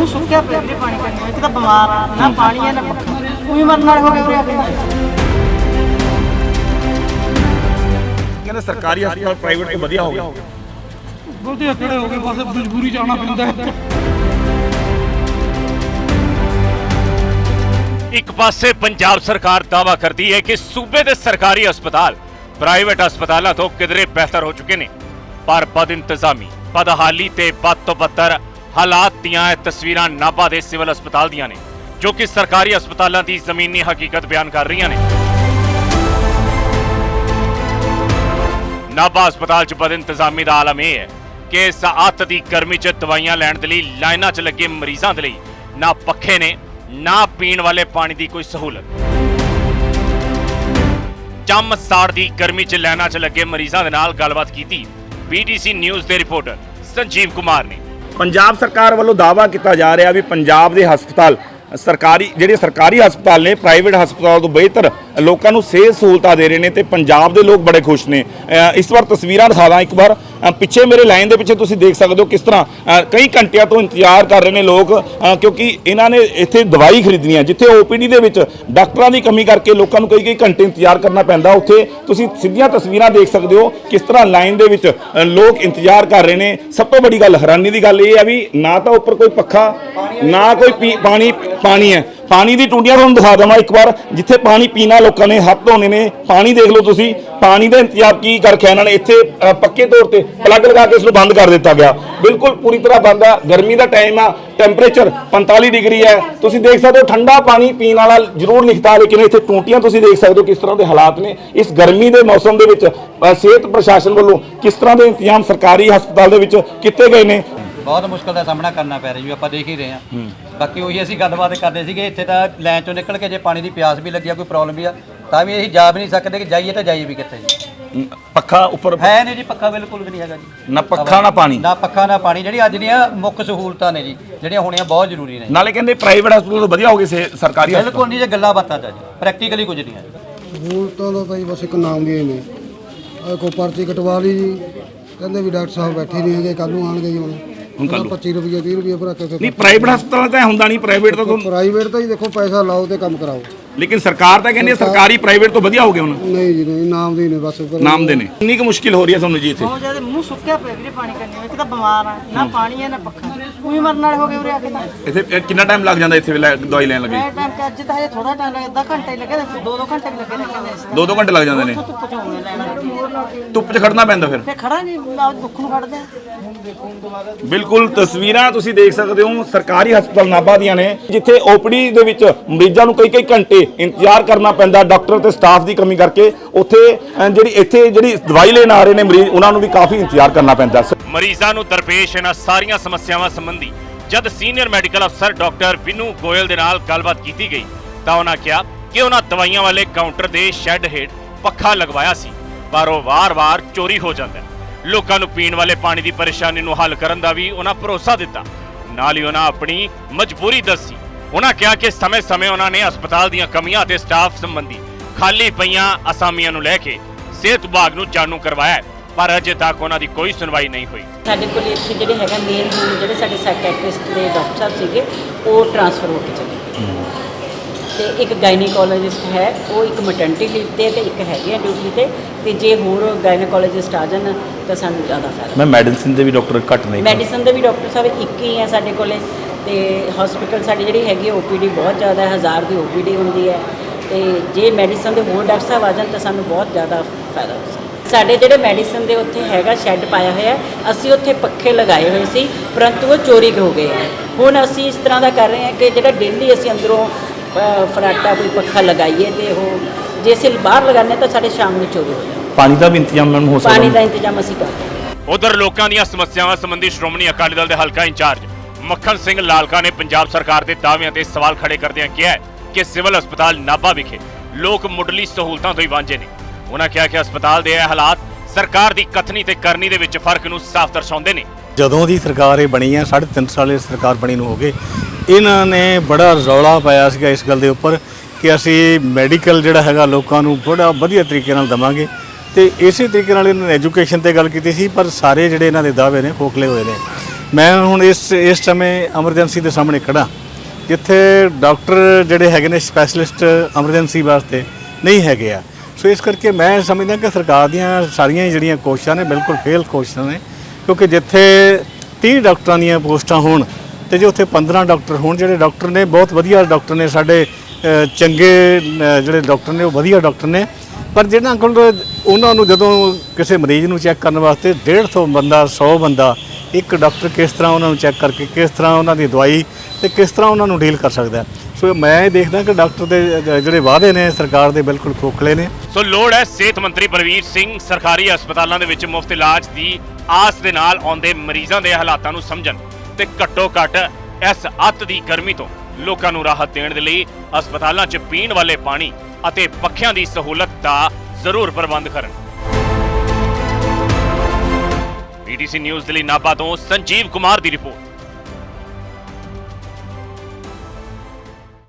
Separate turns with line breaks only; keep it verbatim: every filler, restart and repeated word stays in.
ਮੂੰਹ ਸੁੱਕਿਆ ਪਿਆ ਵੀਰੇ ਪਾਣੀ ਕਰਨੀ ਇੱਕ ਤਾਂ ਬਿਮਾਰ ਆ ਨਾ ਪਾਣੀ ਹੈ ਨਾ ਪੱਖਾ ਉਹੀ ਮਰਨ ਵਾਲੇ ਹੋ ਗਏ ਉਰੇ ਆ ਕੇ
ਕਹਿੰਦੇ ਸਰਕਾਰੀ ਹਸਪਤਾਲ ਪ੍ਰਾਈਵੇਟ ਤੋਂ ਵਧੀਆ ਹੋ ਗਿਆ
ਬਹੁਤੇ ਖੜੇ ਹੋ ਗਏ ਬਸ ਮਜਬੂਰੀ ਜਾਣਾ ਪੈਂਦਾ ਹੈ।
ਇੱਕ ਪਾਸੇ ਪੰਜਾਬ ਸਰਕਾਰ ਦਾਅਵਾ ਕਰਦੀ ਹੈ ਕਿ ਸੂਬੇ ਦੇ ਸਰਕਾਰੀ ਹਸਪਤਾਲ ਪ੍ਰਾਈਵੇਟ ਹਸਪਤਾਲਾਂ ਤੋਂ ਕਿਧਰੇ ਬਿਹਤਰ ਹੋ ਚੁੱਕੇ ਨੇ, ਪਰ ਬਦ ਇੰਤਜ਼ਾਮੀ, ਬਦਹਾਲੀ ਤੇ ਬਦ ਤੋਂ ਬੱਤਰ ਹਾਲਾਤ ਦੀਆਂ ਇਹ ਤਸਵੀਰਾਂ ਨਾਭਾ ਦੇ ਸਿਵਲ ਹਸਪਤਾਲ ਦੀਆਂ ਨੇ, ਜੋ ਕਿ ਸਰਕਾਰੀ ਹਸਪਤਾਲਾਂ ਦੀ ਜ਼ਮੀਨੀ ਹਕੀਕਤ ਬਿਆਨ ਕਰ ਰਹੀਆਂ ਨੇ। ਨਾਭਾ ਹਸਪਤਾਲ 'ਚ ਬਦ ਇੰਤਜ਼ਾਮੀ ਦਾ ਆਲਮ ਇਹ ਹੈ ਕਿ ਇਸ ਅੱਤ ਦੀ ਗਰਮੀ 'ਚ ਦਵਾਈਆਂ ਲੈਣ ਦੇ ਲਈ ਲਾਈਨਾਂ 'ਚ ਲੱਗੇ ਮਰੀਜ਼ਾਂ ਦੇ ਲਈ ਨਾ ਪੱਖੇ ਨੇ ਨਾ ਪੀਣ ਵਾਲੇ ਪਾਣੀ ਦੀ ਕੋਈ ਸਹੂਲਤ। ਚੰਮ ਸਾੜ ਦੀ ਗਰਮੀ 'ਚ ਲਾਈਨਾਂ 'ਚ ਲੱਗੇ ਮਰੀਜ਼ਾਂ ਦੇ ਨਾਲ ਗੱਲਬਾਤ ਕੀਤੀ ਬੀਟੀਸੀ ਨਿਊਜ਼ ਦੇ ਰਿਪੋਰਟਰ ਸੰਜੀਵ ਕੁਮਾਰ ਨੇ।
ਪੰਜਾਬ ਸਰਕਾਰ ਵੱਲੋਂ ਦਾਅਵਾ ਕੀਤਾ ਜਾ ਰਿਹਾ ਵੀ ਪੰਜਾਬ ਦੇ ਹਸਪਤਾਲ ਸਰਕਾਰੀ ਜਿਹੜੇ ਸਰਕਾਰੀ ਹਸਪਤਾਲ ਨੇ ਪ੍ਰਾਈਵੇਟ ਹਸਪਤਾਲ ਤੋਂ ਬਿਹਤਰ ਲੋਕਾਂ ਨੂੰ ਸਿਹਤ ਸਹੂਲਤਾਂ ਦੇ ਰਹੇ ਨੇ ਤੇ ਪੰਜਾਬ ਦੇ ਲੋਕ ਬੜੇ ਖੁਸ਼ ਨੇ। ਇਸ ਵਾਰ ਤਸਵੀਰਾਂ ਦਿਖਾ ਦਾਂ ਇੱਕ ਵਾਰ, ਪਿੱਛੇ ਮੇਰੇ ਲਾਈਨ ਦੇ ਪਿੱਛੇ ਤੁਸੀਂ ਦੇਖ ਸਕਦੇ ਹੋ ਕਿਸ ਤਰ੍ਹਾਂ ਕਈ ਘੰਟਿਆਂ ਤੋਂ ਇੰਤਜ਼ਾਰ ਕਰ ਰਹੇ ਨੇ ਲੋਕ, ਕਿਉਂਕਿ ਇਹਨਾਂ ਨੇ ਇੱਥੇ ਦਵਾਈ ਖਰੀਦਣੀ ਹੈ। ਜਿੱਥੇ ਓਪੀਡੀ ਦੇ ਵਿੱਚ ਡਾਕਟਰਾਂ ਦੀ ਕਮੀ ਕਰਕੇ ਲੋਕਾਂ ਨੂੰ ਕਈ ਕਈ ਘੰਟੇ ਇੰਤਜ਼ਾਰ ਕਰਨਾ ਪੈਂਦਾ, ਉੱਥੇ ਤੁਸੀਂ ਸਿੱਧੀਆਂ ਤਸਵੀਰਾਂ ਦੇਖ ਸਕਦੇ ਹੋ ਕਿਸ ਤਰ੍ਹਾਂ ਲਾਈਨ ਦੇ ਵਿੱਚ ਲੋਕ ਇੰਤਜ਼ਾਰ ਕਰ ਰਹੇ ਨੇ। ਸਭ ਤੋਂ ਵੱਡੀ ਗੱਲ, ਹੈਰਾਨੀ ਦੀ ਗੱਲ ਇਹ ਹੈ ਵੀ ਨਾ ਤਾਂ ਉੱਪਰ ਕੋਈ ਪੱਖਾ ਨਾ ਕੋਈ ਪਾਣੀ ਪਾਣੀ ਹੈ। ਪਾਣੀ ਦੀ ਟੂਟੀਆਂ ਤੁਹਾਨੂੰ ਦਿਖਾ ਦੇਵਾਂ ਇੱਕ ਵਾਰ, ਜਿੱਥੇ ਪਾਣੀ ਪੀਣਾ ਲੋਕਾਂ ਨੇ ਹੱਥ ਧੋਣੇ ਨੇ, ਪਾਣੀ ਦੇਖ ਲਓ ਤੁਸੀਂ, ਪਾਣੀ ਦਾ ਇੰਤਜ਼ਾਮ ਕੀ ਕਰ ਰੱਖਿਆ ਇਹਨਾਂ ਨੇ। ਇੱਥੇ ਪੱਕੇ ਤੌਰ ਤੇ ਪਲੱਗ ਲਗਾ ਕੇ ਇਸ ਨੂੰ ਬੰਦ ਕਰ ਦਿੱਤਾ ਗਿਆ, ਬਿਲਕੁਲ ਪੂਰੀ ਤਰ੍ਹਾਂ ਬੰਦ ਆ। ਗਰਮੀ ਦਾ ਟਾਈਮ ਆ, ਟੈਂਪਰੇਚਰ ਪੰਤਾਲੀ ਡਿਗਰੀ ਹੈ। ਤੁਸੀਂ ਦੇਖ ਸਕਦੇ ਹੋ ਠੰਡਾ ਪਾਣੀ ਪੀਣ ਵਾਲਾ ਜ਼ਰੂਰ ਲਿਖਤਾ, ਲੇਕਿਨ ਇੱਥੇ ਟੂਟੀਆਂ ਤੁਸੀਂ ਦੇਖ ਸਕਦੇ ਹੋ ਕਿਸ ਤਰ੍ਹਾਂ ਦੇ ਹਾਲਾਤ ਨੇ। ਇਸ ਗਰਮੀ ਦੇ ਮੌਸਮ ਦੇ ਵਿੱਚ ਸਿਹਤ ਪ੍ਰਸ਼ਾਸਨ ਵੱਲੋਂ ਕਿਸ ਤਰ੍ਹਾਂ ਦੇ ਇੰਤਜ਼ਾਮ ਸਰਕਾਰੀ ਹਸਪਤਾਲ ਦੇ ਵਿੱਚ ਕੀਤੇ ਗਏ ਨੇ।
ਬਹੁਤ ਮੁਸ਼ਕਲ ਦਾ ਸਾਹਮਣਾ ਕਰਨਾ ਪੈ ਰਿਹਾ ਜੀ, ਆਪਾਂ ਦੇਖ ਹੀ ਰਹੇ ਹਾਂ। ਬਾਕੀ ਉਹੀ ਅਸੀਂ ਗੱਲਬਾਤ ਕਰਦੇ ਸੀਗੇ, ਇੱਥੇ ਤਾਂ ਲਾਈਨ ਚੋਂ ਨਿਕਲ ਕੇ ਜੇ ਪਾਣੀ ਦੀ ਪਿਆਸ ਵੀ ਲੱਗੀ ਆ, ਕੋਈ ਪ੍ਰੋਬਲਮ ਵੀ ਆ, ਤਾਂ ਵੀ ਅਸੀਂ ਜਾ ਵੀ ਨਹੀਂ ਸਕਦੇ ਕਿ ਜਾਈਏ ਤਾਂ ਜਾਈਏ ਵੀ ਕਿੱਥੇ ਜੀ।
ਪੱਖਾ ਉੱਪਰ
ਹੈ ਨਹੀਂ ਜੀ, ਪੱਖਾ ਬਿਲਕੁਲ ਵੀ ਨਹੀਂ ਹੈਗਾ ਜੀ।
ਨਾ ਪੱਖਾ ਨਾ ਪਾਣੀ,
ਨਾ ਪੱਖਾ ਨਾ ਪਾਣੀ। ਜਿਹੜੀ ਅੱਜ ਦੀਆਂ ਮੁੱਖ ਸਹੂਲਤਾਂ ਨੇ ਜੀ, ਜਿਹੜੀਆਂ ਹੋਣੀਆਂ ਬਹੁਤ ਜ਼ਰੂਰੀ ਨੇ।
ਨਾਲੇ ਕਹਿੰਦੇ ਪ੍ਰਾਈਵੇਟ ਹਸਪਤਾਲ ਤੋਂ ਵਧੀਆ ਹੋ ਗਏ ਸਰਕਾਰੀ ਹਸਪਤਾਲ।
ਬਿਲਕੁਲ ਨਹੀਂ, ਜੇ ਗੱਲਾਂ ਬਾਤਾਂ ਦਾ ਜੀ ਪ੍ਰੈਕਟੀਕਲੀ ਕੁਝ ਨਹੀਂ ਹੈ।
ਸਹੂਲਤਾਂ ਦਾ ਤਾਂ ਜੀ ਬਸ ਇੱਕ ਨਾਮ ਦੀਆਂ ਨੇ। ਕੋਈ ਪਰਚੀ ਕਟਵਾ ਲਈ ਜੀ, ਕਹਿੰਦੇ ਵੀ ਡਾਕਟਰ ਸਾਹਿਬ ਬੈਠੇ ਨਹੀਂ ਹੈਗੇ, ਕੱਲ੍ਹ ਨੂੰ ਆਉਣਗੇ ਜੀ। ਹੁਣ
ਹੁਣ ਕੱਲ੍ਹ
ਪੱਚੀ ਰੁਪਏ ਤੀਹ ਰੁਪਏ ਭਰਾ ਕੇ
ਨਹੀਂ, ਪ੍ਰਾਈਵੇਟ ਹਸਪਤਾਲ ਤਾਂ ਹੁੰਦਾ ਨਹੀਂ। ਪ੍ਰਾਈਵੇਟ ਤਾਂ
ਪ੍ਰਾਈਵੇਟ ਤਾਂ ਜੀ ਦੇਖੋ ਪੈਸਾ ਲਾਓ ਤੇ ਕੰਮ ਕਰਾਓ,
ਲੇਕਿਨ ਸਰਕਾਰ ਤਾਂ ਕਹਿੰਦੀ ਸਰਕਾਰੀ ਪ੍ਰਾਈਵੇਟ ਤੋਂ ਵਧੀਆ ਹੋ ਗਏ ਹੁਣ।
ਨਹੀਂ ਜੀ ਨਹੀਂ, ਨਾਮ ਦੇ ਨੇ ਬਸ,
ਨਾਮ ਦੇ ਨੇ। ਕਿੰਨੀ ਕੁ ਮੁਸ਼ਕਿਲ ਹੋ ਰਹੀ ਹੈ ਤੁਹਾਨੂੰ ਜੀ ਇੱਥੇ?
ਬਹੁਤ ਜ਼ਿਆਦਾ ਮੂੰਹ ਸੁੱਕਿਆ ਪਿਆ ਵੀਰੇ ਪਾਣੀ ਕਰਨੀ ਇੱਕ ਤਾਂ ਬਿਮਾਰ ਆ ਨਾ ਪਾਣੀ ਹੈ ਨਾ ਪੱਖਾ ਉਹੀ ਮਰਨ ਵਾਲੇ ਹੋ ਗਏ ਉਰੇ ਆ ਕੇ ਤਾਂ।
ਇੱਥੇ ਕਿੰਨਾ ਟਾਈਮ ਲੱਗ ਜਾਂਦਾ ਇੱਥੇ ਦਵਾਈ ਲੈਣ ਲੱਗੇ?
ਇਹ ਟਾਈਮ ਕਿ ਅੱਜ ਤਾਂ ਹਜੇ ਥੋੜਾ ਟਾਈਮ ਲੱਗਦਾ, ਅੱਧਾ ਘੰਟਾ ਹੀ ਲੱਗਿਆ, ਦੋ ਦੋ ਘੰਟੇ ਵੀ ਲੱਗੇ ਨੇ ਕਹਿੰਦੇ।
ਦੋ ਦੋ ਘੰਟੇ ਲੱਗ ਜਾਂਦੇ ਨੇ
ਧੁੱਪ ਚ ਹੋਣੇ ਲੈਣਾ,
ਧੁੱਪ 'ਚ ਖੜਨਾ ਪੈਂਦਾ ਫਿਰ।
ਤੇ ਖੜਾ ਨਹੀਂ ਦੁੱਖ ਨੂੰ ਖੜਦੇ।
ਬਿਲਕੁਲ ਤਸਵੀਰਾਂ ਤੁਸੀਂ ਦੇਖ ਸਕਦੇ ਹੋ ਸਰਕਾਰੀ ਹਸਪਤਾਲ ਨਾਭਾ ਦੀਆਂ ਨੇ, ਜਿੱਥੇ ਓਪੀਡੀ ਦੇ ਵਿੱਚ ਮਰੀਜ਼ਾਂ ਨੂੰ ਕਈ ਕਈ ਘੰਟੇ ਇੰਤਜ਼ਾਰ ਕਰਨਾ ਪੈਂਦਾ ਡਾਕਟਰ ਤੇ ਸਟਾਫ ਦੀ ਕਮੀ ਕਰਕੇ। ਉੱਥੇ ਜਿਹੜੀ ਇੱਥੇ ਜਿਹੜੀ ਦਵਾਈ ਲੈਣ ਆ ਰਹੇ ਨੇ ਮਰੀਜ਼, ਉਹਨਾਂ ਨੂੰ ਵੀ ਕਾਫੀ ਇੰਤਜ਼ਾਰ ਕਰਨਾ ਪੈਂਦਾ।
ਮਰੀਜ਼ਾਂ ਨੂੰ ਦਰਪੇਸ਼ ਇਹਨਾਂ ਸਾਰੀਆਂ ਸਮੱਸਿਆਵਾਂ ਸੰਬੰਧੀ ਜਦ ਸੀਨੀਅਰ ਮੈਡੀਕਲ ਅਫਸਰ ਡਾਕਟਰ ਵਿਨੂ ਗੋਇਲ ਦੇ ਨਾਲ ਗੱਲਬਾਤ ਕੀਤੀ ਗਈ ਤਾਂ ਉਹਨਾਂ ਕਿਹਾ ਕਿ ਉਹਨਾਂ ਦਵਾਈਆਂ ਵਾਲੇ ਕਾਊਂਟਰ ਦੇ ਸ਼ੈੱਡ ਹੇਠ ਪੱਖਾ ਲਗਵਾਇਆ ਸੀ, ਪਰ ਉਹ ਵਾਰ-ਵਾਰ ਚੋਰੀ ਹੋ ਜਾਂਦਾ। ਲੋਕਾਂ ਨੂੰ ਪੀਣ ਵਾਲੇ ਪਾਣੀ ਦੀ ਪਰੇਸ਼ਾਨੀ ਨੂੰ ਹੱਲ ਕਰਨ ਦਾ ਵੀ ਉਹਨਾਂ ਭਰੋਸਾ ਦਿੱਤਾ। ਨਾਲ ਹੀ ਉਹਨਾਂ ਆਪਣੀ ਮਜਬੂਰੀ ਦੱਸੀ। ਉਹਨਾਂ ਕਿਹਾ ਕਿ ਸਮੇਂ-ਸਮੇਂ ਉਹਨਾਂ ਨੇ ਹਸਪਤਾਲ ਦੀਆਂ ਕਮੀਆਂ ਅਤੇ ਸਟਾਫ ਸੰਬੰਧੀ ਖਾਲੀ ਪਈਆਂ ਅਸਾਮੀਆਂ ਨੂੰ ਲੈ ਕੇ ਸਿਹਤ ਵਿਭਾਗ ਨੂੰ ਜਾਣੂ ਕਰਵਾਇਆ, ਪਰ ਅਜੇ ਤੱਕ ਉਹਨਾਂ ਦੀ ਕੋਈ ਸੁਣਵਾਈ ਨਹੀਂ ਹੋਈ।
ਸਾਡੇ ਕੋਲ ਇੱਥੇ ਜਿਹੜੇ ਹੈਗਾ ਮੇਨ ਹੁਣ ਜਿਹੜੇ ਸਾਡੇ ਸਾਈਕੈਟ੍ਰਿਸਟ ਦੇ ਡਾਕਟਰ ਸਾਹਿਬ ਸੀਗੇ ਉਹ ਟ੍ਰਾਂਸਫਰ ਹੋ ਕੇ ਚਲੇ ਗਏ, ਤੇ ਇੱਕ ਗਾਇਨੀਕੋਲੋਜਿਸਟ ਹੈ ਉਹ ਇੱਕ ਮੈਟਰਨਿਟੀ ਲੀਵ ਤੇ ਤੇ ਇੱਕ ਹੈਗੇ ਆ ਡਿਊਟੀ ਤੇ, ਤੇ ਜੇ ਹੋਰ ਗਾਇਨੀਕੋਲੋਜਿਸਟ ਆ ਜਾਣ ਤਾਂ ਸਾਨੂੰ ਜ਼ਿਆਦਾ ਫਾਇਦਾ।
ਮੈਂ ਮੈਡੀਸਿਨ ਦੇ ਵੀ ਡਾਕਟਰ ਘੱਟ ਨਹੀਂ,
ਮੈਡੀਸਨ ਦੇ ਵੀ ਡਾਕਟਰ ਸਾਹਿਬ ਇੱਕ ਹੀ ਹੈ ਸਾਡੇ ਕੋਲੇ, ਤੇ ਹਸਪੀਟਲ ਸਾਡੀ ਜਿਹੜੀ ਹੈਗੀ ਓਪੀਡੀ ਬਹੁਤ ਜ਼ਿਆਦਾ ਹੈ, ਹਜ਼ਾਰ ਦੀ ਓਪੀਡੀ ਹੁੰਦੀ ਹੈ, ਤੇ ਜੇ ਮੈਡੀਸਨ ਦੇ ਹੋਰ ਡਾਕਟਰ ਸਾਹਿਬ ਆ ਜਾਣ ਤਾਂ ਸਾਨੂੰ ਬਹੁਤ ਜ਼ਿਆਦਾ ਫਾਇਦਾ ਹੋ ਸਕਦਾ। ਸਾਡੇ ਜਿਹੜੇ ਮੈਡੀਸਨ ਦੇ ਉੱਥੇ ਹੈਗਾ ਸ਼ੈੱਡ ਪਾਇਆ ਹੋਇਆ, ਅਸੀਂ ਉੱਥੇ ਪੱਖੇ ਲਗਾਏ ਹੋਏ ਸੀ, ਪਰੰਤੂ ਉਹ ਚੋਰੀ ਹੋ ਗਏ ਹੈ। ਹੁਣ ਅਸੀਂ ਇਸ ਤਰ੍ਹਾਂ ਦਾ ਕਰ ਰਹੇ ਹਾਂ ਕਿ ਜਿਹੜਾ ਡੇਲੀ ਅਸੀਂ ਅੰਦਰੋਂ ਫਰਾਟਾ ਕੋਈ ਪੱਖਾ ਲਗਾਈਏ, ਤੇ ਉਹ ਜੇ ਅਸੀਂ ਬਾਹਰ ਲਗਾਉਂਦੇ ਤਾਂ ਸਾਡੇ ਸ਼ਾਮ ਨੂੰ ਚੋਰੀ ਹੋ ਜਾਂਦੀ।
ਪਾਣੀ ਦਾ ਵੀ ਇੰਤਜ਼ਾਮ ਹੋ ਸਕਦਾ,
ਪਾਣੀ ਦਾ ਇੰਤਜ਼ਾਮ ਅਸੀਂ ਕਰਦੇ ਹਾਂ।
ਉਧਰ ਲੋਕਾਂ ਦੀਆਂ ਸਮੱਸਿਆਵਾਂ ਸੰਬੰਧੀ ਸ਼੍ਰੋਮਣੀ ਅਕਾਲੀ ਦਲ ਦੇ ਹਲਕਾ ਇੰਚਾਰਜ ਮੱਖਣ ਸਿੰਘ ਲਾਲਕਾ ਨੇ ਪੰਜਾਬ ਸਰਕਾਰ ਦੇ ਦਾਅਵਿਆਂ ਤੇ ਸਵਾਲ ਖੜੇ ਕਰਦਿਆਂ ਕਿਹਾ ਕਿ ਸਿਵਲ ਹਸਪਤਾਲ ਨਾਭਾ ਵਿਖੇ ਲੋਕ ਮੁੱਢਲੀ ਸਹੂਲਤਾਂ ਤੋਂ ਹੀ ਵਾਂਝੇ ਨੇ। ਉਹਨਾਂ ਕਿਹਾ ਕਿ ਹਸਪਤਾਲ ਦੇ ਇਹ ਹਾਲਾਤ ਸਰਕਾਰ ਦੀ ਕਥਨੀ ਤੇ ਕਰਨੀ ਦੇ ਵਿੱਚ ਫਰਕ ਨੂੰ ਸਾਫ਼ ਦਰਸਾਉਂਦੇ ਨੇ।
ਜਦੋਂ ਦੀ ਸਰਕਾਰ ਇਹ ਬਣੀ ਹੈ, ਸਾਢੇ ਤਿੰਨ ਸਾਲ ਸਰਕਾਰ ਬਣੀ ਨੂੰ ਹੋ ਗਏ, ਇਹਨਾਂ ਨੇ ਬੜਾ ਰੌਲਾ ਪਾਇਆ ਸੀਗਾ ਇਸ ਗੱਲ ਦੇ ਉੱਪਰ ਕਿ ਅਸੀਂ ਮੈਡੀਕਲ ਜਿਹੜਾ ਹੈਗਾ ਲੋਕਾਂ ਨੂੰ ਬੜਾ ਵਧੀਆ ਤਰੀਕੇ ਨਾਲ ਦੇਵਾਂਗੇ, ਤੇ ਇਸੇ ਤਰੀਕੇ ਨਾਲ ਇਹਨਾਂ ਨੇ ਐਜੂਕੇਸ਼ਨ ਤੇ ਗੱਲ ਕੀਤੀ ਸੀ, ਪਰ ਸਾਰੇ ਜਿਹੜੇ ਇਹਨਾਂ ਦੇ ਦਾਅਵੇ ਨੇ ਖੋਖਲੇ ਹੋਏ ਨੇ। ਮੈਂ ਹੁਣ ਇਸ ਇਸ ਸਮੇਂ ਐਮਰਜੈਂਸੀ ਦੇ ਸਾਹਮਣੇ ਖੜਾ, ਜਿੱਥੇ ਡਾਕਟਰ ਜਿਹੜੇ ਹੈਗੇ ਨੇ ਸਪੈਸ਼ਲਿਸਟ ਐਮਰਜੈਂਸੀ ਵਾਸਤੇ ਨਹੀਂ ਹੈਗੇ ਆ। ਸੋ ਇਸ ਕਰਕੇ ਮੈਂ ਸਮਝਦਾ ਕਿ ਸਰਕਾਰ ਦੀਆਂ ਸਾਰੀਆਂ ਹੀ ਜਿਹੜੀਆਂ ਕੋਸ਼ਿਸ਼ਾਂ ਨੇ ਬਿਲਕੁਲ ਫੇਲ ਕੋਸ਼ਿਸ਼ਾਂ ਨੇ, ਕਿਉਂਕਿ ਜਿੱਥੇ ਤੀਹ ਡਾਕਟਰਾਂ ਦੀਆਂ ਪੋਸਟਾਂ ਹੋਣ ਤੇ ਜੇ ਉੱਥੇ ਪੰਦਰਾਂ ਡਾਕਟਰ ਹੋਣ, ਜਿਹੜੇ ਡਾਕਟਰ ਨੇ ਬਹੁਤ ਵਧੀਆ ਡਾਕਟਰ ਨੇ, ਸਾਡੇ ਅ, ਚੰਗੇ ਅ, ਜਿਹੜੇ ਡਾਕਟਰ ਨੇ ਉਹ ਵਧੀਆ ਡਾਕਟਰ ਨੇ, ਪਰ ਜਿਹਨਾਂ ਕੋਲ ਉਹਨਾਂ ਨੂੰ ਜਦੋਂ ਕਿਸੇ ਮਰੀਜ਼ ਨੂੰ ਚੈੱਕ ਕਰਨ ਵਾਸਤੇ ਡੇਢ ਸੌ ਬੰਦਾ ਸੌ ਬੰਦਾ, ਇੱਕ ਡਾਕਟਰ ਕਿਸ ਤਰ੍ਹਾਂ ਉਹਨਾਂ ਨੂੰ ਚੈੱਕ ਕਰਕੇ ਕਿਸ ਤਰ੍ਹਾਂ ਉਹਨਾਂ ਦੀ ਦਵਾਈ ਤੇ ਕਿਸ ਤਰ੍ਹਾਂ ਉਹਨਾਂ ਨੂੰ ਡੀਲ ਕਰ ਸਕਦਾ। ਸੋ ਮੈਂ ਇਹ ਦੇਖਦਾ ਕਿ ਡਾਕਟਰ ਦੇ ਜਿਹੜੇ ਵਾਅਦੇ ਨੇ ਸਰਕਾਰ ਦੇ ਬਿਲਕੁਲ ਖੋਖਲੇ ਨੇ।
ਸੋ ਲੋੜ ਹੈ ਸਿਹਤ ਮੰਤਰੀ ਬਲਵੀਰ ਸਿੰਘ ਸਰਕਾਰੀ ਹਸਪਤਾਲਾਂ ਦੇ ਵਿੱਚ ਮੁਫਤ ਇਲਾਜ ਦੀ ਆਸ ਦੇ ਨਾਲ ਆਉਂਦੇ ਮਰੀਜ਼ਾਂ ਦੇ ਹਾਲਾਤਾਂ ਨੂੰ ਸਮਝਣ ਤੇ ਘੱਟੋ ਘੱਟ ਇਸ ਅੱਤ ਦੀ ਗਰਮੀ ਤੋਂ ਲੋਕਾਂ ਨੂੰ ਰਾਹਤ ਦੇਣ ਦੇ ਲਈ ਹਸਪਤਾਲਾਂ 'ਚ ਪੀਣ ਵਾਲੇ ਪਾਣੀ ਅਤੇ ਪੱਖਿਆਂ ਦੀ ਸਹੂਲਤ ਦਾ ਜ਼ਰੂਰ ਪ੍ਰਬੰਧ ਕਰਨ। ਪੀਟੀਸੀ ਨਿਊਜ਼ ਦੇ ਲਈ ਨਾਭਾ ਤੋਂ ਸੰਜੀਵ ਕੁਮਾਰ ਦੀ ਰਿਪੋਰਟ।